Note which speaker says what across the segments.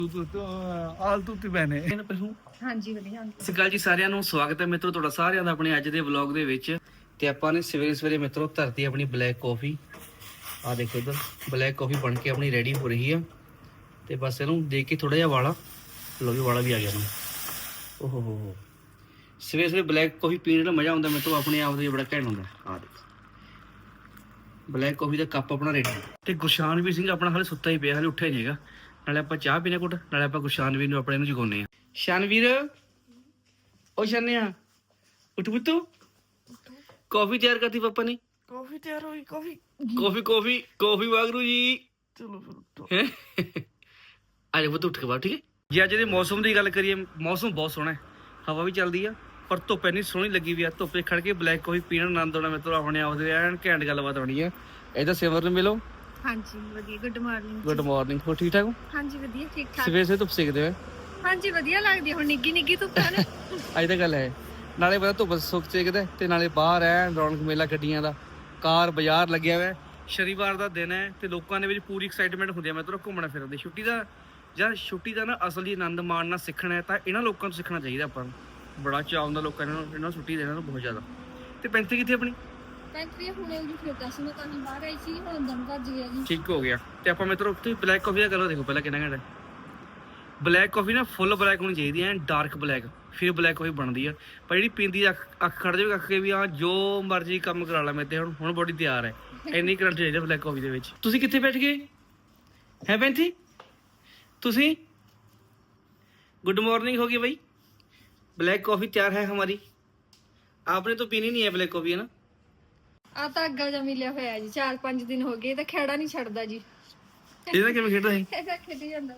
Speaker 1: ਆਲਤੂ ਤੇ ਬੈਨੇ
Speaker 2: ਹਾਂਜੀ ਵਧੀਆ।
Speaker 3: ਸਤਿ ਸ਼੍ਰੀ ਅਕਾਲ ਜੀ ਸਾਰਿਆਂ ਨੂੰ, ਸਵਾਗਤ ਹੈ ਮਿੱਤਰੋ ਤੁਹਾਡਾ ਸਾਰਿਆਂ ਦਾ ਆਪਣੇ ਅੱਜ ਦੇ ਵਲੌਗ ਦੇ ਵਿੱਚ। ਤੇ ਆਪਾਂ ਨੇ ਸਵੇਰੇ ਸਵੇਰੇ ਮਿੱਤਰੋ ਧਰਤੀ ਆਪਣੀ ਬਲੈਕ ਕਾਫੀ। ਆ ਦੇਖੋ ਇਧਰ ਬਲੈਕ ਕਾਫੀ ਬਣ ਕੇ ਆਪਣੀ ਰੈਡੀ ਹੋ ਰਹੀ ਆ। ਤੇ ਬਸ ਇਹਨੂੰ ਦੇਖ ਕੇ ਥੋੜਾ ਜਿਹਾ ਵਾਲਾ ਲੋ ਵੀ ਵਾਲਾ ਵੀ ਆ ਗਿਆ ਨਾ। ਓਹੋ ਹੋ ਸਵੇਰੇ ਸਵੇਰੇ ਬਲੈਕ ਕਾਫੀ ਪੀਣ ਦਾ ਮਜ਼ਾ ਆਉਂਦਾ ਮਿੱਤਰੋ, ਆਪਣੇ ਆਪ ਦੇ ਬੜਾ ਘੈਂਟ ਹੁੰਦਾ। ਆ ਦੇਖੋ ਬਲੈਕ ਕਾਫੀ ਦਾ ਕੱਪ ਆਪਣਾ ਰੈਡੀ। ਤੇ ਗੁਰਸ਼ਾਨ ਵੀ ਸਿੰਘ ਆਪਣਾ ਹਾਲੇ ਸੁੱਤਾ ਹੀ ਪਿਆ, ਹਾਲੇ ਉੱਠਿਆ ਨਹੀਂ ਹੈਗਾ। ਨਾਲੇ ਆਪਾਂ ਚਾਹ ਪੀਣੇ ਕੁੱਟ, ਨਾਲੇ ਆਪਾਂ ਗੁਰਸ਼ਾਨਵੀਰ ਨੂੰ ਆਪਣੇ ਨੂੰ ਜਗਾਉਂਦੇ ਆ। ਸ਼ਾਨਵੀਰ ਉਹ ਸ਼ਾਨਿਆ ਉੱਠ ਪੁੱਤੂ, ਕਾਫੀ ਤਿਆਰ ਕਰਤੀ ਪਾਪਾ ਨੇ।
Speaker 1: ਕਾਫੀ ਤਿਆਰ ਹੋਈ। ਕਾਫੀ
Speaker 3: ਕਾਫੀ ਵਾਗਰੂ ਜੀ।
Speaker 1: ਚਲੋ ਫਿਰ
Speaker 3: ਆ ਜਾ ਪੁੱਤ ਉੱਠ ਕੇ ਬਾਹਰ, ਠੀਕ ਹੈ ਜੀ। ਅੱਜ ਦੇ ਮੌਸਮ ਦੀ ਗੱਲ ਕਰੀਏ, ਮੌਸਮ ਬਹੁਤ ਸੋਹਣਾ ਹੈ, ਹਵਾ ਵੀ ਚੱਲਦੀ ਆ, ਪਰ ਧੁੱਪ ਇੰਨੀ ਸੋਹਣੀ ਲੱਗੀ ਵੀ ਆ। ਧੁੱਪੇ ਖੜ ਕੇ ਬਲੈਕ ਕਾਫੀ ਪੀਣ ਆਨੰਦ ਆਉਣਾ ਮਿੱਤਰੋ, ਆਪਣੇ ਆਪ ਦੇ ਐਨ ਘੈਂਟ ਗੱਲਬਾਤ ਹੋਣੀ ਆ। ਇਹਦਾ ਸਿਮਰ ਨੂੰ ਮਿਲੋ।
Speaker 2: ਹਾਂਜੀ ਵਧੀਆ। Good morning.
Speaker 3: Good morning. ਹੋ ਠੀਕ ਠਾਕ ਹੋ?
Speaker 2: ਹਾਂਜੀ ਵਧੀਆ ਠੀਕ ਠਾਕ।
Speaker 3: ਸਵੇਰੇ ਸਵੇਰੇ ਧੁੱਪ ਸੇਕਦੇ ਹੋ?
Speaker 2: ਹਾਂਜੀ ਵਧੀਆ ਲੱਗਦੀ ਹੁਣ, ਨਿੱਗੀ ਨਿੱਗੀ ਧੁੱਪ ਹੈ ਨਾ।
Speaker 3: ਅੱਜ ਤਾਂ ਗੱਲ ਹੈ, ਨਾਲੇ ਪਤਾ ਧੁੱਪ ਸੁੱਕ ਸੇਕਦਾ ਤੇ ਨਾਲੇ ਬਾਹਰ ਐ ਰੌਣਕ ਮੇਲਾ ਗੱਡੀਆਂ ਦਾ, ਕਾਰ ਬਾਜ਼ਾਰ ਲੱਗਿਆ ਹੋਇਆ। ਸ਼ਨੀਵਾਰ ਦਾ ਦਿਨ ਹੈ ਤੇ ਲੋਕਾਂ ਦੇ ਵਿੱਚ ਪੂਰੀ ਐਕਸਾਈਟਮੈਂਟ ਹੁੰਦੀ ਹੈ ਮਿੱਤਰੋ ਘੁੰਮਣਾ ਫਿਰਨ ਦੀ। ਛੁੱਟੀ ਦਾ ਨਾ ਅਸਲੀ ਆਨੰਦ ਮਾਣਨਾ ਸਿੱਖਣਾ ਹੈ ਤਾਂ ਇਹਨਾਂ ਲੋਕਾਂ ਤੋਂ ਸਿੱਖਣਾ ਚਾਹੀਦਾ ਆਪਾਂ ਨੂੰ। ਬੜਾ ਚਾਅ ਹੁੰਦਾ ਲੋਕਾਂ ਨੂੰ ਇਹਨਾਂ ਛੁੱਟੀ ਦੇਣਾ ਨੂੰ ਬਹੁਤ ਜ਼ਿਆਦਾ। ਤੇ ਪੈਂਤੀ ਕਿੱਥੇ ਆਪਣੀ?
Speaker 2: ਪੈਂਟਰੀ ਹੁਣੇ ਉਹਦੀ ਫਿਰਦਾ ਸੀ, ਮੈਂ ਤਾਂ ਬਾਹਰ ਆਈ ਸੀ, ਹੁਣ ਦਮ ਭੱਜ ਗਿਆ ਜੀ।
Speaker 3: ਠੀਕ ਹੋ ਗਿਆ। ਤੇ ਆਪਾਂ ਮਿੱਤਰੋ ਉੱਥੇ ਬਲੈਕ ਕਾਫੀ ਦਾ ਕਲਰ ਦੇਖੋ ਪਹਿਲਾਂ ਕਿੰਨਾ ਘੈਂਟ ਹੈ। ਬਲੈਕ ਕਾਫੀ ਨਾ ਫੁੱਲ ਬਲੈਕ ਹੋਣੀ ਚਾਹੀਦੀ ਹੈ, ਡਾਰਕ ਬਲੈਕ, ਫਿਰ ਬਲੈਕ ਕਾਫੀ ਬਣਦੀ ਆ। ਪਰ ਜਿਹੜੀ ਪੀਂਦੀ ਅੱਖ ਖੜ ਜਾਵੇ ਅੱਖ ਕੇ ਵੀ ਆ ਜੋ ਮਰਜ਼ੀ ਕੰਮ ਕਰਾ ਲਾ ਮੇਰੇ ਤੇ, ਹੁਣ ਬੋਡੀ ਤਿਆਰ ਹੈ। ਇੰਨੀ ਕਰੰਟ ਚਾਹੀਦਾ ਬਲੈਕ ਕਾਫੀ ਦੇ ਵਿੱਚ। ਤੁਸੀਂ ਕਿੱਥੇ ਬੈਠ ਗਏ ਹੈ ਪੈਂਤੀ? ਤੁਸੀਂ गुड मॉर्निंग होगी भाई। ब्लैक कॉफी तैयार है हमारी। आपने तो पीनी नहीं है ब्लैक कॉफी, है ना?
Speaker 2: ਆ ਤਾਂ ਅੱਗਾ ਜਾ ਮਿਲਿਆ ਹੋਇਆ ਜੀ, 4-5 ਦਿਨ ਹੋ ਗਏ ਤਾਂ ਖੇੜਾ ਨਹੀਂ ਛੱਡਦਾ ਜੀ।
Speaker 3: ਇਹਦਾ ਕਿਵੇਂ ਖੇਡਦਾ ਹੈ?
Speaker 2: ਇਹਦਾ ਖੇਡੀ ਜਾਂਦਾ।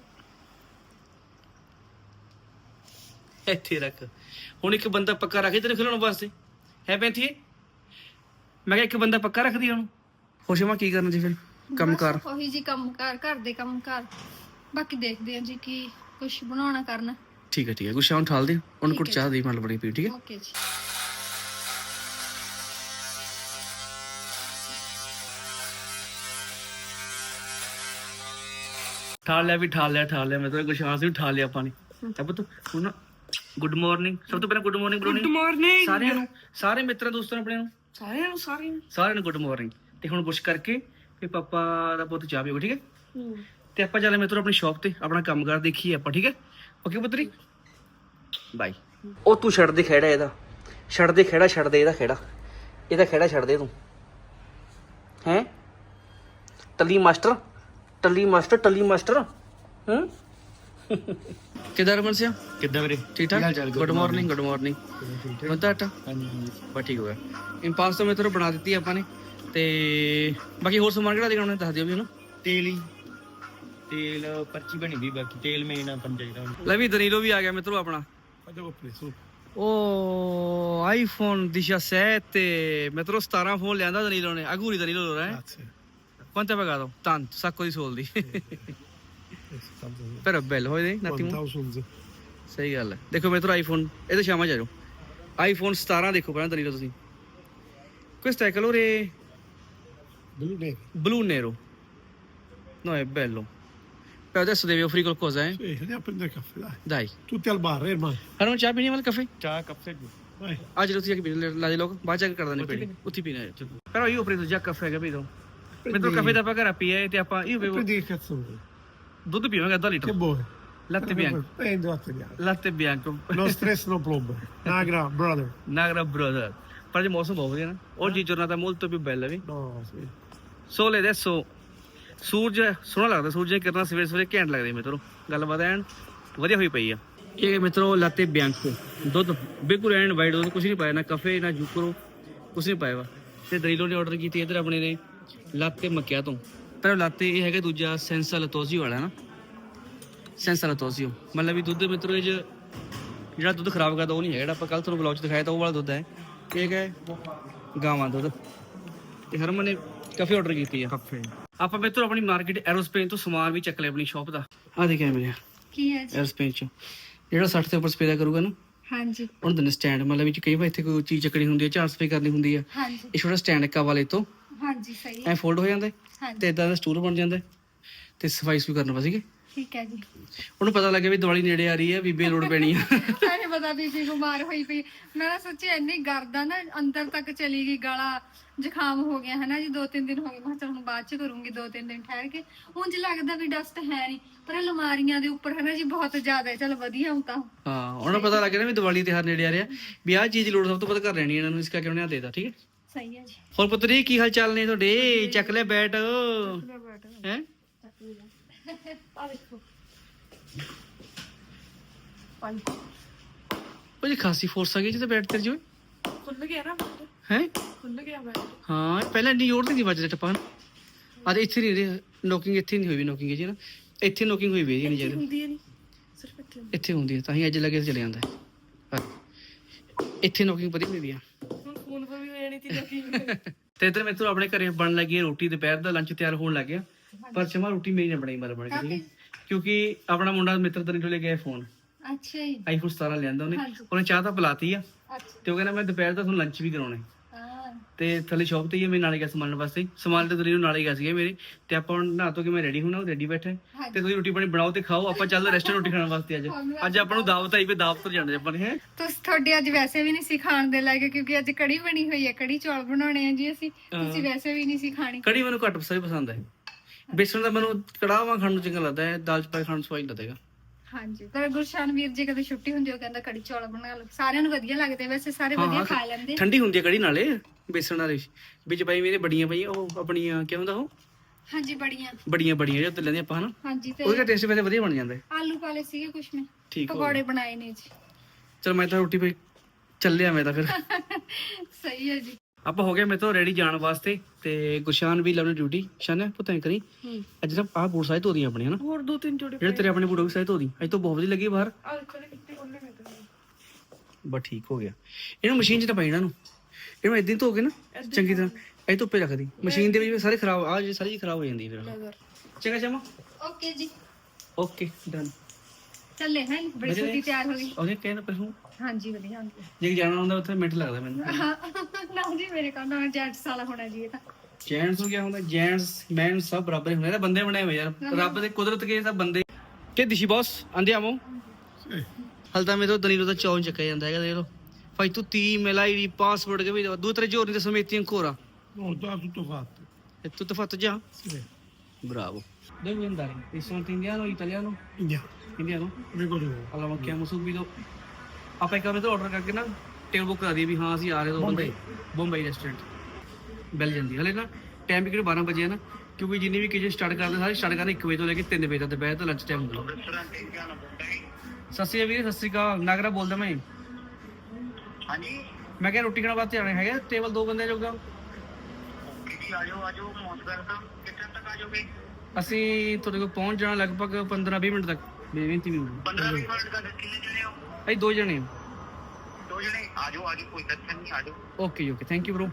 Speaker 3: ਇੱਥੇ ਰੱਖ। ਹੁਣ ਇੱਕ ਬੰਦਾ ਪੱਕਾ ਰੱਖੇ ਤੈਨੂੰ ਖਿਲਾਉਣ ਵਾਸਤੇ ਹੈ ਪੈਂਥੀ? ਮੈਂ ਕਿਹਾ ਇੱਕ ਬੰਦਾ ਪੱਕਾ ਰੱਖਦੀ ਉਹਨੂੰ। ਖੁਸ਼ਮਾ ਕੀ ਕਰਨਾ ਜੀ ਫਿਰ? ਕੰਮ ਕਰ
Speaker 2: ਉਹੀ ਜੀ ਕੰਮ ਕਾਰ, ਘਰ ਦੇ ਕੰਮ ਕਾਰ, ਬਾਕੀ ਦੇਖਦੇ ਹਾਂ ਜੀ ਕੀ ਕੁਛ ਬਣਾਉਣਾ ਕਰਨਾ।
Speaker 3: ਠੀਕ ਹੈ ਗੁੱਸ਼ਾ ਹੁਣ ਠਾਲ ਦੇ, ਉਹਨੂੰ ਕੁਝ ਚਾਹ ਦੇ ਮਤਲਬ ਬੜੀ ਪੀ, ਠੀਕ ਹੈ?
Speaker 2: ਓਕੇ ਜੀ।
Speaker 3: ਠਾਲ ਲਿਆ ਮਤਲਬ ਗੁਸ਼ਾਨ ਵੀ ਠਾਲ ਲਿਆ ਆਪਾਂ ਨੇ। ਤਾਂ ਪੁੱਤ ਹੁਣ ਗੁੱਡ ਮਾਰਨਿੰਗ। ਸਭ ਤੋਂ ਪਹਿਲਾਂ ਗੁੱਡ ਮਾਰਨਿੰਗ ਬੁਲਾਉਣੀ ਸਾਰਿਆਂ ਨੂੰ, ਸਾਰੇ ਮਿੱਤਰਾਂ ਦੋਸਤਾਂ ਆਪਣੇ ਨੂੰ, ਸਾਰਿਆਂ ਨੂੰ ਗੁੱਡ ਮਾਰਨਿੰਗ। ਤੇ ਹੁਣ ਬੁਸ਼ ਕਰਕੇ ਫਿਰ ਪਾਪਾ ਦਾ ਪੁੱਤ ਚਾਹ ਪੀਓ, ਠੀਕ ਹੈ? ਤੇ ਆਪਾਂ ਚੱਲੇ ਮਿੱਤਰੋ ਆਪਣੀ ਸ਼ਾਪ ਤੇ, ਆਪਣਾ ਕੰਮਕਾਰ ਦੇਖੀਏ ਆਪਾਂ, ਠੀਕ ਹੈ? ਓਕੇ ਪੁੱਤਰੀ ਬਾਈ। ਉਹ ਤੂੰ ਛੱਡ ਦੇ ਖੇੜਾ ਇਹਦਾ, ਛੱਡ ਦੇ ਇਹਦਾ ਖੇੜਾ ਛੱਡ ਦੇ ਤੂੰ। ਹੈ ਟੱਲੀ ਮਾਸਟਰ ਹੂੰ। ਕਿੱਦਾਂ ਰਮਨ ਸਿਆ? ਕਿੱਦਾਂ ਵੀਰੇ? ਠੀਕ ਠਾਕ। ਗੁੱਡ ਮਾਰਨਿੰਗ ਹੁੰਦਾ ਆਟਾ? ਹਾਂਜੀ ਬਸ ਠੀਕ ਹੋ ਗਿਆ। ਇੰਪਾਸ ਤਾਂ ਮਿੱਤਰੋ ਬਣਾ ਦਿੱਤੀ ਆਪਾਂ ਨੇ। ਤੇ ਬਾਕੀ ਹੋਰ ਸਮਾਨ ਕਿਹੜਾ ਦਿਖਾਉਣਾ ਦੱਸ ਦਿਓ ਵੀ ਉਹਨੂੰ।
Speaker 1: ਤੇਲ ਪਰਚੀ ਬਣੀ ਵੀ, ਬਾਕੀ ਤੇਲ ਮੇਨ ਆਪਾਂ ਚਾਹੀਦਾ।
Speaker 3: ਲੈ ਵੀ ਦਨੀਲੋ ਵੀ ਆ ਗਿਆ ਮਿੱਤਰੋ ਆਪਣਾ। ਉਹ ਆਈਫੋਨ 17 ਮਿੱਤਰੋ 17 ਫੋਨ ਲਿਆਂਦਾ ਦਨੀਲੋ ਨੇ। ਅਗੂਰੀ ਦਨੀਲੋ ਲੋ ਰਹਾ ਹੈ। Quanto hai pagato? Tanto, sacco di soldi. Però è bello, vedi? Un attimo.
Speaker 1: 1000
Speaker 3: ਸਹੀ ਗੱਲ ਹੈ। ਦੇਖੋ ਮਿੱਤਰੋ ਆਈਫੋਨ, ਇਹ ਤਾਂ ਸ਼ਾਮਾਂ ਚ ਆ ਜਾਓ। ਆਈਫੋਨ 17 ਦੇਖੋ ਪਹਿਲਾਂ ਦਨੀਲੋ ਤੁਸੀਂ। Questo è colore blu nero. No, è bello. Però adesso devi offrire qualcosa, eh?
Speaker 1: Sì, andiamo a prendere il caffè, dai.
Speaker 3: Dai.
Speaker 1: Tutti al bar, ormai.
Speaker 3: ਹਾਂ ਨੂੰ ਚਾਹ ਪੀਣੀ ਵਾਲਾ ਕਾਫੇ?
Speaker 1: Ciao, caffè. Vai.
Speaker 3: ਆ ਚਲੋ ਤੁਸੀਂ ਪੀ ਲਾ ਦੇ ਲੋਕ, ਬਾਅਦ ਚ ਕਰ ਦਿੰਦੇ ਪੀਣੀ, ਉੱਥੇ ਪੀਣਾ ਹੈ। Però io ho preso già caffè, capito? Mentre il caffè da pagare a PE e io bevo.
Speaker 1: Prendi che cazzo vuoi?
Speaker 3: Dubbio pieno che da litro.
Speaker 1: Che vuoi?
Speaker 3: Latte bianco.
Speaker 1: Prendi latte bianco.
Speaker 3: Latte bianco.
Speaker 1: No stress, no problem. Nagra, brother.
Speaker 3: Nagra brother. Per il mosimo boh, no? Oggi giornata molto più bella, vi?
Speaker 1: No, sì.
Speaker 3: Sole adesso ਸੂਰਜ ਸੋਹਣਾ ਲੱਗਦਾ, ਸੂਰਜ ਦੀਆਂ ਕਿਰਨਾਂ ਸਵੇਰੇ ਸਵੇਰੇ ਘੈਂਟ ਲੱਗਦੇ ਮਿੱਤਰੋ। ਗੱਲਬਾਤ ਐਨ ਵਧੀਆ ਹੋਈ ਪਈ ਆ। ਇਹ ਮਿੱਤਰੋ ਲਾਤੇ ਬਿਆੰਕੋ ਦੁੱਧ ਬਿਲਕੁਲ ਐਨ ਵਾਈਟ ਦੁੱਧ, ਕੁਛ ਨਹੀਂ ਪਾਇਆ, ਨਾ ਕਫੇ ਨਾ ਜੂਕਰੋ, ਕੁਛ ਨਹੀਂ ਪਾਇਆ ਵਾ। ਤੇ ਦਰੀਲੋ ਨੇ ਆਰਡਰ ਕੀਤੀ ਇੱਧਰ ਆਪਣੇ ਨੇ ਲਾਤੇ ਮੱਕਿਆ ਤੋਂ। ਪਰ ਲਾਤੇ ਇਹ ਹੈਗਾ ਦੂਜਾ ਸੈਂਸਾ ਲਤੋਜ਼ੀਓ ਵਾਲਾ ਨਾ, ਸੈਂਸਾ ਲਤੋਜ਼ੀਓ ਮਤਲਬ ਵੀ ਦੁੱਧ ਮਿੱਤਰੋ ਇਹ ਜਿਹੜਾ ਦੁੱਧ ਖਰਾਬ ਕਰਦਾ ਉਹ ਨਹੀਂ ਹੈਗਾ, ਜਿਹੜਾ ਆਪਾਂ ਕੱਲ ਤੁਹਾਨੂੰ ਬਲੌਗ 'ਚ ਦਿਖਾਇਆ ਤਾਂ ਉਹ ਵਾਲਾ ਦੁੱਧ ਹੈ। ਇਹ ਹੈ ਗਾਵਾਂ ਦੁੱਧ। ਤੇ ਹਰਮਨ ਨੇ ਕਾਫੀ ਆਰਡਰ ਕੀਤੀ ਆ ਕਾਫੇ। ਆਪਾਂ ਮਿੱਤਰੋ ਆਪਣੀ ਮਾਰਕੀਟ ਐਰੋਸਪੇਸ ਤੋਂ ਸਮਾਨ ਵੀ ਚੱਕ ਲਿਆ ਆਪਣੀ ਸ਼ਾਪ ਦਾ। ਆ ਦੇਖਿਆ ਮੇਰੇ
Speaker 2: ਕੀ ਹੈ ਜੀ?
Speaker 3: ਐਰੋਸਪੇਸ 'ਚ ਜਿਹੜਾ 60 ਦੇ ਉੱਪਰ ਸਪੇ ਦਾ ਕਰੂਗਾ ਨਾ, ਹਾਂਜੀ ਉਹਨੂੰ ਦਿੰਦੇ ਸਟੈਂਡ। ਮਤਲਬ ਵਿੱਚ ਕਈ ਵਾਰ ਇੱਥੇ ਕੋਈ ਚੀਜ਼ ਚੱਕਣੀ ਹੁੰਦੀ ਹੈ, ਝਾੜ ਸਪੇ ਕਰਨੀ ਹੁੰਦੀ ਹੈ,
Speaker 2: ਹਾਂਜੀ
Speaker 3: ਇਹ ਛੋਟਾ ਸਟੈਂਡ ਇੱਕ ਵਾਲੇ ਤੋਂ
Speaker 2: ਹਾਂਜੀ ਸਹੀ
Speaker 3: ਐ ਫੋਲਡ ਹੋ ਜਾਂਦਾ ਤੇ ਇਦਾਂ ਦਾ ਸਟੂਲ ਬਣ ਜਾਂਦਾ ਤੇ ਸਫਾਈ ਵੀ ਕਰਨ ਵਾਸਤੇ
Speaker 2: ਠੀਕ ਹੈ ਜੀ।
Speaker 3: ਉਹਨੂੰ ਪਤਾ ਲੱਗਿਆ ਵੀ ਦੀਵਾਲੀ ਨੇੜੇ ਆ ਰਹੀ ਹੈ, ਬੀਬੀ ਲੋੜ ਪੈਣੀ ਆ।
Speaker 2: ਮੈਨੂੰ ਪਤਾ ਬੀਬੀ ਬਿਮਾਰ ਹੋਈ ਪਈ। ਮੈਂ ਤਾਂ ਸੱਚੀ ਇੰਨੀ ਗਰਦਾ ਨਾ ਅੰਦਰ ਤੱਕ ਚਲੀ ਗਈ, ਗਲਾ ਜ਼ੁਕਾਮ ਹੋ ਗਿਆ ਹੈ ਨਾ ਜੀ। 2-3 ਦਿਨ ਹੋ ਗਏ। ਮੈਂ ਚਲ ਹੁਣ ਬਾਅਦ ਚ ਕਰੂੰਗੀ 2-3 ਦਿਨ ਠਹਿਰ ਕੇ। ਉਂਝ ਲੱਗਦਾ ਵੀ ਡਸਟ ਹੈ ਨਹੀਂ, ਪਰ ਅਲਮਾਰੀਆਂ ਦੇ ਉੱਪਰ ਹੈ ਨਾ ਜੀ ਬਹੁਤ ਜ਼ਿਆਦਾ ਹੈ। ਚਲ ਵਧੀਆ ਹੁਣ ਤਾਂ।
Speaker 3: ਹਾਂ, ਉਹਨਾਂ ਨੂੰ ਪਤਾ ਲੱਗ ਗਿਆ ਨਾ ਵੀ ਦੀਵਾਲੀ ਤਿਉਹਾਰ ਨੇੜੇ ਆ ਰਿਹਾ, ਵੀ ਆਹ ਚੀਜ਼ ਦੀ ਲੋੜ ਸਭ ਤੋਂ ਵੱਧ ਕਰ ਲੈਣੀ ਇਹਨਾਂ ਨੂੰ, ਇਸ ਕਰਕੇ ਉਹਨੇ ਦੇਤਾ। ਠੀਕ ਹੈ,
Speaker 2: ਸਹੀ ਹੈ ਜੀ।
Speaker 3: ਹੋਰ ਪੁੱਤਰੀ ਕੀ ਹਾਲ ਚਾਲ ਨੇ ਤੁਹਾਡੇ? ਚੱਕ ਲੈ ਬੈਟ ਹੈ।
Speaker 2: ਆ ਦੇਖੋ
Speaker 3: ਉਹ ਜੀ ਖਾਸੀ ਫੋਰਸ ਆ ਗਈ ਜਿੱਤੇ ਬੈਟ ਤੇ ਜੋ
Speaker 2: ਖੁੱਲ ਗਿਆ ਨਾ,
Speaker 3: ਹੈ
Speaker 2: ਖੁੱਲ ਗਿਆ ਬੈਟ।
Speaker 3: ਹਾਂ, ਪਹਿਲਾਂ ਇੰਨੀ ਜ਼ੋਰ ਤੇ ਨਹੀਂ ਵੱਜਦਾ ਟੱਪਾ। ਆ ਇੱਥੇ ਨਹੀਂ ਨੋਕਿੰਗ, ਇੱਥੇ ਨਹੀਂ ਹੋਈ ਵੀ ਨੋਕਿੰਗ ਜੀ ਨਾ, ਇੱਥੇ ਨੋਕਿੰਗ ਹੋਈ ਵੀ ਨਹੀਂ ਚਾਹੀਦੀ,
Speaker 2: ਹੁੰਦੀ ਹੈ ਨਹੀਂ ਸਿਰਫ
Speaker 3: ਇੱਥੇ ਹੁੰਦੀ ਹੈ, ਤਾਂ ਹੀ ਅੱਜ ਲੱਗੇ ਚਲੇ ਜਾਂਦਾ ਹੈ। ਇੱਥੇ ਨੋਕਿੰਗ ਵਧੀਆ ਹੁੰਦੀ ਆ।
Speaker 2: ਫੋਨ ਪਰ ਵੀ ਹੋ ਜਾਣੀ ਸੀ ਲੋਕੀ।
Speaker 3: ਤੇ ਇਧਰ ਮੇਰੇ ਤੋਂ ਆਪਣੇ ਘਰੇ ਬਣਨ ਲੱਗੀ ਹੈ ਰੋਟੀ, ਦੁਪਹਿਰ ਦਾ ਲੰਚ ਤਿਆਰ ਹੋਣ ਲੱਗ ਗਿਆ। ਪਰ ਚਮਾ ਰੋਟੀ ਮੇਰੀ ਨਾ ਬਣਾਈ ਮਰ ਬਣ ਕੇ, ਠੀਕ ਹੈ, ਕਿਉਂਕਿ ਆਪਣਾ ਮੁੰਡਾ ਮਿੱਤਰ ਤਰੀ ਲੈ ਗਿਆ ਫੋਨ,
Speaker 2: ਅੱਛਾ ਜੀ।
Speaker 3: ਆਈਫੋਨ 17 ਲਿਆਂਦਾ ਉਹਨੇ।
Speaker 2: ਹਾਂਜੀ।
Speaker 3: ਉਹਨੇ ਚਾਹ ਤਾਂ ਪਿਲਾਤੀ ਆ,
Speaker 2: ਅੱਛਾ
Speaker 3: ਤੇ ਉਹ ਕਹਿੰਦਾ ਮੈਂ ਦੁਪਹਿਰ ਦਾ ਤੁਹਾਨੂੰ ਲੰਚ ਵੀ ਕਰਾਉਣਾ ਹੈ।
Speaker 2: ਹਾਂ
Speaker 3: ਤੇ ਥੱਲੇ ਸ਼ੌਪ ਤੇ ਹੀ ਮੈਂ ਨਾਲੇ ਗਿਆ ਸਮਾਨ ਵਾਸਤੇ, ਸਮਾਨ ਤੇ ਤੁਸੀਂ ਨਾਲੇ ਗਿਆ ਸੀਗਾ ਮੇਰੇ। ਤੇ ਆਪਾਂ ਹੁਣ ਨਹਾ ਧੋ ਕੇ ਮੈਂ ਰੈਡੀ ਹੋਣਾ, ਉਹ ਰੈਡੀ ਬੈਠਾ ਹੈ। ਤੇ ਤੁਸੀਂ ਰੋਟੀ ਪਾਣੀ ਬਣਾਓ ਤੇ ਖਾਓ, ਆਪਾਂ ਚੱਲਦੇ ਰੈਸਟੋਰੈਂਟ ਰੋਟੀ ਖਾਣ ਵਾਸਤੇ। ਅੱਜ ਆਪਾਂ ਨੂੰ ਦਾਵਤ ਆਈ ਵੀ ਦਾਵਤ ਤੋਂ ਜਾਣਾ ਆਪਾਂ ਨੇ। ਹੈ
Speaker 2: ਤੁਸੀਂ ਤੁਹਾਡੇ ਅੱਜ ਵੈਸੇ ਵੀ ਨਹੀਂ ਸੀ ਖਾਣ ਦੇ ਲਾਇਕ, ਕਿਉਂਕਿ ਅੱਜ ਕੜੀ ਬਣੀ ਹੋਈ ਹੈ, ਕੜੀ ਚੌਲ ਬਣਾਉਣੇ ਆ ਜੀ ਅਸੀਂ। ਤੁਸੀਂ ਵੈਸੇ ਵੀ ਨਹੀਂ ਸੀ ਖਾਣੀ।
Speaker 3: ਕੜੀ ਮੈਨੂੰ ਘੱਟ ਪਸੰਦ ਹੈ, ਬੇਸਣ ਦਾ ਮੈਨੂੰ ਕੜਾਹਾਂ ਖਾਣ ਨੂੰ ਚੰਗਾ ਲੱਗਦਾ ਹੈ, ਦਾਲ ਚ ਪਾ ਕੇ ਖਾਣ ਨੂੰ ਸਵਾਦ ਲੱਗਦਾ।
Speaker 2: ਹਾਂਜੀ, ਪਰ ਗੁਰਸ਼ਾਨ ਵੀਰ ਜੀ ਕਦੇ ਛੁੱਟੀ ਹੁੰਦੀ ਉਹ ਕਹਿੰਦਾ ਕੜੀ ਚੌਲ ਬਣਾ ਲਓ। ਸਾਰਿਆਂ ਨੂੰ ਵਧੀਆ ਲੱਗਦੇ, ਵੈਸੇ ਸਾਰੇ ਵਧੀਆ ਖਾ ਲੈਂਦੇ।
Speaker 3: ਠੰਡੀ ਹੁੰਦੀ ਹੈ ਕੜੀ ਨਾਲੇ, ਬੇਸਣ ਵਾਲੀ ਵਿੱਚ ਪਾਈ ਮੇਰੇ ਬੜੀਆਂ ਪਈਆਂ, ਉਹ ਆਪਣੀਆਂ ਕੀ ਹੁੰਦਾ ਉਹ,
Speaker 2: ਹਾਂਜੀ ਬੜੀਆਂ
Speaker 3: ਜੋ ਤੇ ਲੈਂਦੇ ਆਪਾਂ ਹਨਾ,
Speaker 2: ਹਾਂਜੀ। ਤੇ
Speaker 3: ਉਹਦਾ ਟੇਸਟ ਵੈਸੇ ਵਧੀਆ ਬਣ ਜਾਂਦਾ ਹੈ।
Speaker 2: ਆਲੂ ਪਾਲੇ ਸੀਗੇ ਕੁਛ ਮੈਂ,
Speaker 3: ਠੀਕ ਹੋ
Speaker 2: ਪਕੌੜੇ ਬਣਾਏ ਨੇ ਜੀ।
Speaker 3: ਚਲ ਮੈਂ ਤਾਂ ਰੋਟੀ ਪਈ ਚੱਲਿਆ ਮੈਂ ਤਾਂ ਫਿਰ।
Speaker 2: ਸਹੀ ਹੈ ਜੀ।
Speaker 3: ਆਪਾਂ ਹੋ ਗਏ ਮੇਰੇ ਤੋਂ ਰੈਡੀ ਜਾਣ ਵਾਸਤੇ, ਤੇ ਗੁਰਸ਼ਾਨ ਵੀ ਲਾਉਣੀ ਡਿਊਟੀ। ਸ਼ਾਨ ਪੁੱਤਾਂ ਕਰੀ ਅੱਜ ਨਾ ਆਹ ਬੂਟ ਸਾਈਜ਼ ਧੋ ਦੀਆਂ ਆਪਣੇ ਹਨਾ,
Speaker 2: ਹੋਰ 2-3 ਜੋੜੇ
Speaker 3: ਜਿਹੜੇ ਤੇਰੇ ਆਪਣੇ ਬੂਟ ਵੀ ਸਾਈਜ਼ ਧੋ ਦੀ। ਅੱਜ ਤੋਂ ਬਹੁਤ ਵਧੀਆ ਲੱਗੀ ਬਾਹਰ,
Speaker 2: ਆ ਦੇਖੋ ਨੇ ਕਿੱਥੇ ਉਹਨੇ ਮੈਂ
Speaker 3: ਬਸ ਠੀਕ ਹੋ ਗਿਆ। ਇਹਨੂੰ ਮਸ਼ੀਨ 'ਚ ਤਾਂ ਪਾਈ ਇਹਨਾਂ ਨੂੰ, ਇਹਨੂੰ ਏਦਾਂ ਹੀ ਧੋ ਕੇ ਨਾ ਚੰਗੀ ਤਰ੍ਹਾਂ ਇਹ ਧੁੱਪੇ ਰੱਖਦੀ ਮਸ਼ੀਨ ਦੇ ਵਿੱਚ, ਸਾਰੇ ਖਰਾਬ ਆ ਸਾਰੀ ਚੀਜ਼ ਖਰਾਬ ਹੋ ਜਾਂਦੀ ਫਿਰ। ਚੰਗਾ ਚਮਾ,
Speaker 2: ਓਕੇ ਜੀ,
Speaker 3: ਓਕੇ ਡਨ।
Speaker 2: ਚੱਲੇ ਹੈ ਬੜੀ ਛੇਤੀ ਤਿਆਰ ਹੋ ਗਈ।
Speaker 3: ਉਹਨੇ ਕਹਿੰਦਾ ਪਰ ਹੂੰ
Speaker 2: ਹਾਂਜੀ ਵਧੀਆ ਹੁੰਦੀ
Speaker 3: ਜੇ ਜਾਣਾ ਹੁੰਦਾ ਉੱਥੇ ਮਿੰਟ ਲੱਗਦਾ ਮੈਨੂੰ।
Speaker 2: ਨਾ ਜੀ ਮੇਰੇ ਕੋਲ ਨਾ ਜੈਂਟਸ ਵਾਲਾ ਹੋਣਾ ਜੀ ਇਹ ਤਾਂ।
Speaker 3: ਜੈਂਟਸ ਹੋ ਗਿਆ ਹੁੰਦਾ, ਜੈਂਟਸ ਮੈਨ ਸਭ ਬਰਾਬਰ ਹੀ ਹੁੰਦੇ ਨੇ, ਬੰਦੇ ਬਣੇ ਹੋਏ ਯਾਰ, ਰੱਬ ਦੇ ਕੁਦਰਤ ਕੇ ਸਭ ਬੰਦੇ। ਕਿ ਦਿਸ਼ੀ ਬੌਸ andiamo? ਹਲਦਾ ਮੇਰੇ ਤੋਂ ਦਨੀਰੋ ਦਾ ਚੌਂ ਚੱਕਿਆ ਜਾਂਦਾ ਹੈਗਾ, ਦੇਖ ਲਓ fai tutti i email, i password, capito? 2-3 giorni adesso metti ancora.
Speaker 1: No, già tutto fatto.
Speaker 3: È tutto fatto già?
Speaker 1: Sì.
Speaker 3: Bravo. Dove vuoi andare? Ristorante indiano o italiano?
Speaker 1: Andiamo.
Speaker 3: Indiano?
Speaker 1: Vengo tu.
Speaker 3: Allora ma chiamo subito, ਆਪਾਂ ਇੱਕ ਵਾਰ order ਕਰਕੇ ਨਾ table book ਕਰਾ ਦਈਏ ਵੀ ਹਾਂ ਅਸੀਂ ਆ ਰਹੇ ਦੋ ਬੰਦੇ, ਬੰਬਈ ਰੈਸਟੋਰੈਂਟ ਬੈਲ ਜਾਂਦੀ। ਹਲੇ ਨਾ ਟਾਈਮ ਵੀ ਕਿਹੜੇ 12 ਵਜੇ ਆ ਨਾ, ਕਿਉਂਕਿ ਜਿੰਨੀ ਵੀ ਕਿਚਨ ਸਟਾਰਟ ਕਰਦੇ ਸਾਰੇ ਸਟਾਰਟ ਕਰਦੇ 1 ਵਜੇ ਤੋਂ ਲੈ ਕੇ 3 ਵਜੇ ਤੱਕ ਦੁਪਹਿਰ ਤੋਂ ਲੰਚ ਟਾਈਮ ਹੁੰਦਾ। ਸਤਿ ਸ਼੍ਰੀ ਅਕਾਲ ਵੀਰੇ, ਸਤਿ ਸ਼੍ਰੀ ਅਕਾਲ, ਨਾਗਰਾ ਬੋਲਦਾ ਮੈਂ।
Speaker 4: ਹਾਂਜੀ,
Speaker 3: ਮੈਂ ਕਿਹਾ ਰੋਟੀ ਖਾਣ ਵਾਸਤੇ ਆਣੇ ਹੈਗੇ, ਟੇਬਲ 2 ਬੰਦੇ ਜੋਗਾ।
Speaker 4: ਆਜੋ ਮੌਸਮ ਕਿੱਥੇ ਤੱਕ ਆ ਜਾਓਗੇ?
Speaker 3: ਅਸੀਂ ਤੁਹਾਡੇ ਕੋਲ ਪਹੁੰਚ ਜਾਣਾ ਲਗਭਗ 15-20 ਮਿੰਟ ਤੱਕ, 20 ਮਿੰਟ।
Speaker 4: 15-20 ਮਿੰਟ ਤੱਕ ਕਿੰਨੇ ਜਣੇ ਹੋ?
Speaker 3: ਅਸੀਂ 2 ਜਣੇ ਹਾਂ।
Speaker 4: 2 ਜਣੇ? ਆਜੋ ਕੋਈ ਟੈਨਸ਼ਨ ਨਹੀਂ, ਆਜੋ।
Speaker 3: Okay okay, thank you bro.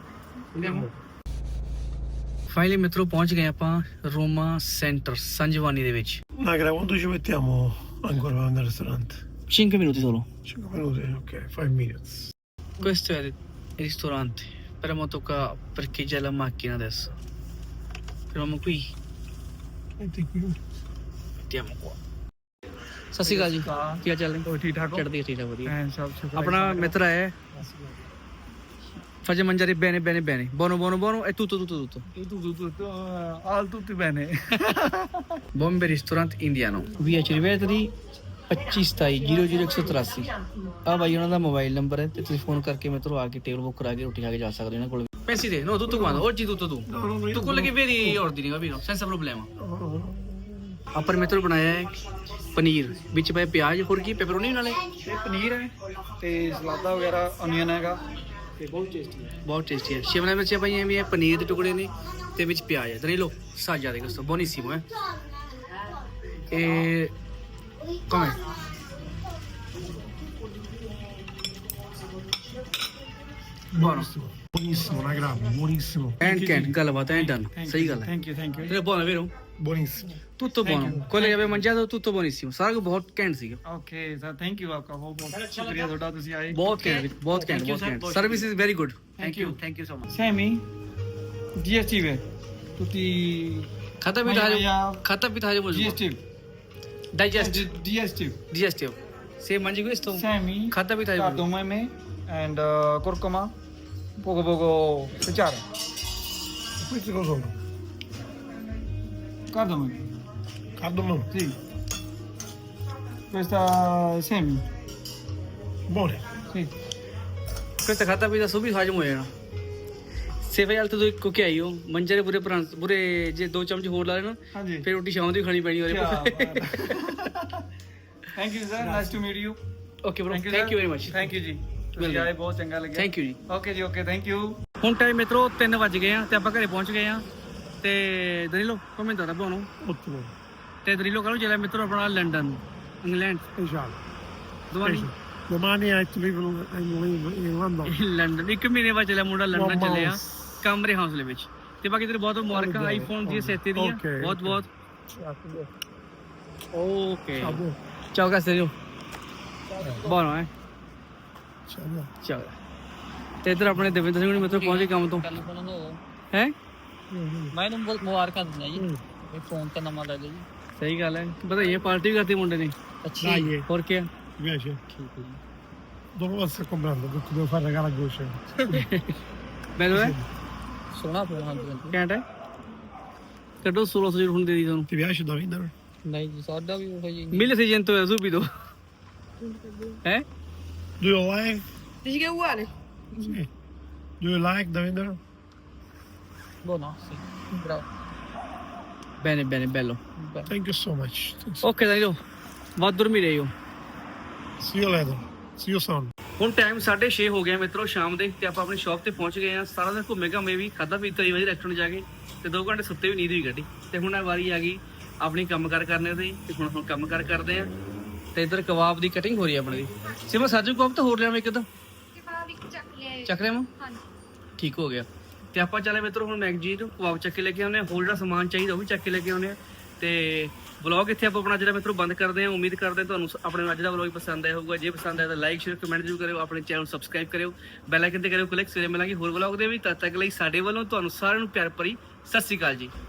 Speaker 3: Finally ਮਿੱਤਰੋ ਪਹੁੰਚ ਗਏ ਆਪਾਂ ਰੋਮਾ ਸੈਂਟਰ ਸੰਜਵਾਨੀ ਦੇ ਵਿੱਚ।
Speaker 1: Nagra, quando ci mettiamo ancora nel ristorante?
Speaker 3: 5 minuti solo.
Speaker 1: 5 minuti, ok, 5 minutes.
Speaker 3: Questo è il ristorante, però tocca parcheggiare la macchina adesso. Fermiamo qui,
Speaker 1: Metti qui.
Speaker 3: mettiamo qua. ਸਤਿ ਸ਼੍ਰੀ ਅਕਾਲ ਜੀ, ਕੀ ਹਾਲ ਚਾਲ ਨੇ?
Speaker 1: ठीक ठाक हो?
Speaker 3: ਚੜ੍ਹਦੀ ਠੀਕ ਠਾਕ ਵਧੀਆ।
Speaker 1: सब शुक्र
Speaker 3: ਆਪਣਾ ਮਿੱਤਰ ਹੈ faccia mangiare bene bene bene, buono buono buono e tutto
Speaker 1: tutti bene.
Speaker 3: Bombe ristorante indiano, via Cirivetri 2527 ਆ ਬਾਈ ਉਹਨਾਂ ਦਾ ਮੋਬਾਈਲ ਨੰਬਰ ਹੈ, ਤੇ ਤੁਸੀਂ ਫੋਨ ਕਰਕੇ ਮਿੱਤਰੋ ਆ ਕੇ ਟੇਬਲ ਬੁੱਕ ਕਰਾ ਕੇ ਰੋਟੀ ਖਾ ਕੇ ਜਾ ਸਕਦੇ ਹੋ ਇਹਨਾਂ ਕੋਲ। ਪੈਸੇ ਦੇ no tutto quanto oggi tutto tu tu quello che vedi ordini, capito, senza problema। ਆਪਾਂ ਨੇ ਮਿੱਤਰੋ ਬਣਾਇਆ ਹੈ ਪਨੀਰ, ਵਿੱਚ ਪਏ ਪਿਆਜ਼, ਹੋਰ ਕੀ ਪੈਪਰੋਨੀ ਨਾਲੇ
Speaker 5: ਇਹ ਪਨੀਰ ਹੈ ਤੇ ਸਲਾਦਾ ਵਗੈਰਾ ਅਨੀਅਨ ਹੈਗਾ ਤੇ ਬਹੁਤ ਟੇਸਟੀ ਹੈ।
Speaker 3: ਬਹੁਤ ਟੇਸਟੀ ਹੈ। ਸ਼ਿਮਲਾ ਮਿਰਚਾਂ ਪਾਈਆਂ ਵੀ ਹੈ, ਪਨੀਰ ਦੇ ਟੁਕੜੇ ਨੇ, ਤੇ ਵਿੱਚ ਪਿਆਜ਼ ਹੈ। Danilo assaggia di questo, buonissimo e com'è? Buono,
Speaker 1: Buonissimo, una grande, buonissimo.
Speaker 3: and ਗੱਲਬਾਤ ਐਂਡ ਡਨ, ਸਹੀ ਗੱਲ ਹੈ।
Speaker 5: ਥੈਂਕ ਯੂ
Speaker 3: ਤੇ buono vero?
Speaker 1: Buonissimo.
Speaker 3: Tutto buono, quello che abbiamo mangiato tutto buonissimo, ਸਾਰਾ ਕੁਝ ਬਹੁਤ ਘੈਂਟ ਸੀਗਾ।
Speaker 5: ਓਕੇ ਸਰ, ਥੈਂਕ ਯੂ ਆਪਕਾ ਬਹੁਤ ਬਹੁਤ ਸ਼ੁਕਰੀਆ ਤੁਹਾਡਾ, ਤੁਸੀਂ ਆਏ।
Speaker 3: ਬਹੁਤ ਘੈਂਟ, ਬਹੁਤ ਘੈਂਟ, service is very good. Thank you so much.
Speaker 5: ਸੈਮੀ GST ਵੇ tutti
Speaker 3: ਖਾਤਾ ਪੀਤਾ ਹਾਜੋ, ਖਾਤਾ ਪੀਤਾ ਹਾਜੋ ਬੋਲ।
Speaker 5: GST
Speaker 3: digest
Speaker 5: digestive.
Speaker 3: से mangi questo
Speaker 5: Semi,
Speaker 3: खाता भी था ये
Speaker 5: cardamomo, and curcuma, poco cucciara.
Speaker 1: Questi cosa sono?
Speaker 5: Cardamomo,
Speaker 1: Cardamomo.
Speaker 5: sì. Questa semi,
Speaker 1: Buone.
Speaker 5: sì.
Speaker 3: questa खाता भी था सो भी हजम हो जाना सेवे वाल तो को क्या आई हो मंजरे पूरे जे 2 चमच होर ला लेना
Speaker 5: ਹਾਂਜੀ
Speaker 3: फिर रोटी शाम ਦੀ ਖਾਣੀ ਪੈਣੀ
Speaker 5: ਕਿਆ
Speaker 3: ਉਹਦੇ
Speaker 5: thank you sir nice to meet you
Speaker 3: okay bro thank you very much
Speaker 5: thank you ਜੀ ਤੁਸੀਂ ਆਏ ਬਹੁਤ ਚੰਗਾ ਲੱਗਿਆ
Speaker 3: ਥੈਂਕ ਯੂ ਜੀ
Speaker 5: ਓਕੇ ਜੀ ਓਕੇ ਥੈਂਕ ਯੂ
Speaker 3: ਹੁਣ ਟਾਈਮ ਮਿੱਤਰੋ 3 ਵਜ ਗਏ ਆ ਤੇ ਆਪਾਂ ਘਰੇ ਪਹੁੰਚ ਗਏ ਆ ਤੇ ਦਰੀਲੋ ਕਮੈਂ ਦਾ ਬਣਾਉ
Speaker 1: Ottimo.
Speaker 3: ਤੇ ਦਰੀਲੋ ਕਰੋ ਜਿਹੜਾ ਮਿੱਤਰੋ ਆਪਣਾ ਲੰਡਨ ਇੰਗਲੈਂਡ
Speaker 1: Speciale.
Speaker 3: ਦਵਾਨੀ
Speaker 1: Domani hai to leave in London.
Speaker 3: London 1 ਮਹੀਨੇ ਬਾਅਦ ਚੱਲਿਆ ਮੁੰਡਾ ਲੰਡਨ
Speaker 1: One
Speaker 3: ਚੱਲਿਆ
Speaker 1: month.
Speaker 3: ਕਮਰੇ ਹੌਸਲੇ ਵਿੱਚ ਤੇ ਬਾਕੀ ਤੇਰੇ ਬਹੁਤ ਮੁਬਾਰਕਾਂ ਆਈਫੋਨ ਦੀ ਸੇਤੇ ਦੀਆਂ
Speaker 1: Okay,
Speaker 3: ਬਹੁਤ ਬਹੁਤ ਓਕੇ
Speaker 1: Ciao.
Speaker 3: ਚਾਓ ਕਾ ਸੇਰੀਓ ਬੋਨੋ ਹੈ
Speaker 1: Ciao.
Speaker 3: ਚਲ ਤੇ ਇਧਰ ਆਪਣੇ ਦੇਵਿੰਦਰ ਸਿੰਘ ਨੇ ਮਿੱਤਰ ਪਹੁੰਚ ਗਏ ਕੰਮ ਤੋਂ ਹੈ
Speaker 6: ਮੈਂ ਤੁਹਾਨੂੰ ਬਹੁਤ ਮੁਬਾਰਕਾਂ ਦਿੰਦਾ ਜੀ ਇਹ ਫੋਨ ਤਾਂ ਨਵਾਂ ਲੈ ਲਿਆ ਜੀ
Speaker 3: ਸਹੀ ਗੱਲ ਹੈ ਵਧਾਈਆਂ ਪਾਰਟੀ ਵੀ ਕਰਤੀ ਮੁੰਡੇ ਨੇ
Speaker 6: ਅੱਛੀ
Speaker 1: Dai,
Speaker 3: ਹੋਰ ਕੀ
Speaker 1: mi piace.
Speaker 6: ਠੀਕ ਹੈ ਜੀ
Speaker 1: Dopo lo sto comprando perché devo fare regalo a Gosce.
Speaker 3: ਮੈਨੂੰ ਹੈ
Speaker 6: ਸੋਹਣਾ ਫੋਨ ਹਾਂ ਜੀ
Speaker 3: ਘੈਂਟ ਹੈ ਕੱਢੋ 1600 ਹੁਣ ਦੇ ਦੀ ਤੁਹਾਨੂੰ
Speaker 1: Ti piace da vendere?
Speaker 6: ਨਹੀਂ ਜੀ ਸਾਡਾ ਵੀ ਉਹ ਜੀ
Speaker 3: ਮਿਲ ਸੀਜਨ ਤੋਂ ਹੈ subito ਹੈ
Speaker 1: Do you like?
Speaker 2: Dici che è uguale?
Speaker 1: Sì. Do you like da vendere?
Speaker 6: buono sì bravo
Speaker 3: bene bene bello
Speaker 1: Thank you so much. Thanks.
Speaker 3: Okay ਦਾਈਓ ਬਹੁਤ ਦੂਰ ਮਿਲੇ ਹੋ
Speaker 1: See you later. See you soon.
Speaker 3: ਹੁਣ time 6:30 ਹੋ ਗਿਆ ਮਿੱਤਰੋ ਸ਼ਾਮ ਦੇ ਤੇ ਆਪਾਂ ਆਪਣੀ ਸ਼ਾਪ ਤੇ ਪਹੁੰਚ ਗਏ ਆ ਸਾਰਾ ਦਿਨ ਘੁੰਮੇ ਘਾਮੇ ਵੀ ਖਾਦਾ ਪੀਤਾ ਹੀ ਵਧੀਆ ਰੈਸਟੋਰੈਂਟ ਜਾ ਕੇ ਤੇ 2 ਘੰਟੇ ਸੁੱਤੇ ਵੀ ਨੀਂਦ ਵੀ ਕੱਢੀ ਤੇ ਹੁਣ ਆ ਵਾਰੀ ਆ ਗਈ ਆਪਣੀ ਕੰਮਕਾਰ ਕਰਨੇ ਦੀ ਤੇ ਹੁਣ ਕੰਮਕਾਰ ਕਰਦੇ ਆ ਤੇ ਇੱਧਰ ਕਬਾਬ ਦੀ ਕਟਿੰਗ ਹੋ ਰਹੀ ਆ ਆਪਣੇ ਦੀ ਸਿਮਾ ਸਾਜੂ ਕਬਾਬ ਤਾਂ ਹੋਰ ਲਿਆਵਾਂ ਇੱਕ ਤਾਂ
Speaker 2: ਕਬਾਬ ਇੱਕ ਚੱਕ ਲਿਆ
Speaker 3: ਚੱਕ ਲਿਆਵਾਂ
Speaker 2: ਹਾਂਜੀ
Speaker 3: ਠੀਕ ਹੋ ਗਿਆ ਤੇ ਆਪਾਂ ਚੱਲੇ ਮਿੱਤਰੋ ਹੁਣ ਮੈਗਜੀ ਤੋਂ ਕਬਾਬ ਚੱਕ ਕੇ ਲੈ ਕੇ ਆਉਂਦੇ ਆ ਹੋਰ ਜਿਹੜਾ ਸਮਾਨ ਚਾਹੀਦਾ ਉਹ ਵੀ ਚੱਕ ਕੇ ਲੈ ਕੇ ਆਉਂਦੇ ਆ ਤੇ ਵਲੌਗ ਇੱਥੇ ਆਪਾਂ ਆਪਣਾ ਜਿਹੜਾ ਮਿੱਤਰੋ ਬੰਦ ਕਰਦੇ ਆ ਉਮੀਦ ਕਰਦੇ ਤੁਹਾਨੂੰ ਆਪਣੇ ਅੱਜ ਦਾ ਵਲੌਗ ਪਸੰਦ ਆਇਆ ਹੋਊਗਾ ਜੇ ਪਸੰਦ ਆਇਆ ਤਾਂ ਲਾਈਕ ਸ਼ੇਅਰ ਕਮੈਂਟ ਜ਼ਰੂਰ ਕਰਿਓ ਆਪਣੇ ਚੈਨਲ ਨੂੰ ਸਬਸਕ੍ਰਾਈਬ ਕਰਿਓ ਬੈਲ ਆਈਕਨ ਤੇ ਕਰਿਓ ਕਲਿੱਕ ਸਵੇਰੇ ਮਿਲਾਂਗੇ ਹੋਰ ਵਲੌਗ ਦੇ ਵੀ ਤਦ ਤੱਕ ਲਈ ਸਾਡੇ ਵੱਲੋਂ ਤੁਹਾਨੂੰ ਸਾਰਿਆਂ ਨੂੰ ਪਿਆਰ ਭਰੀ ਸਤਿ ਸ਼੍ਰੀ ਅਕਾਲ ਜੀ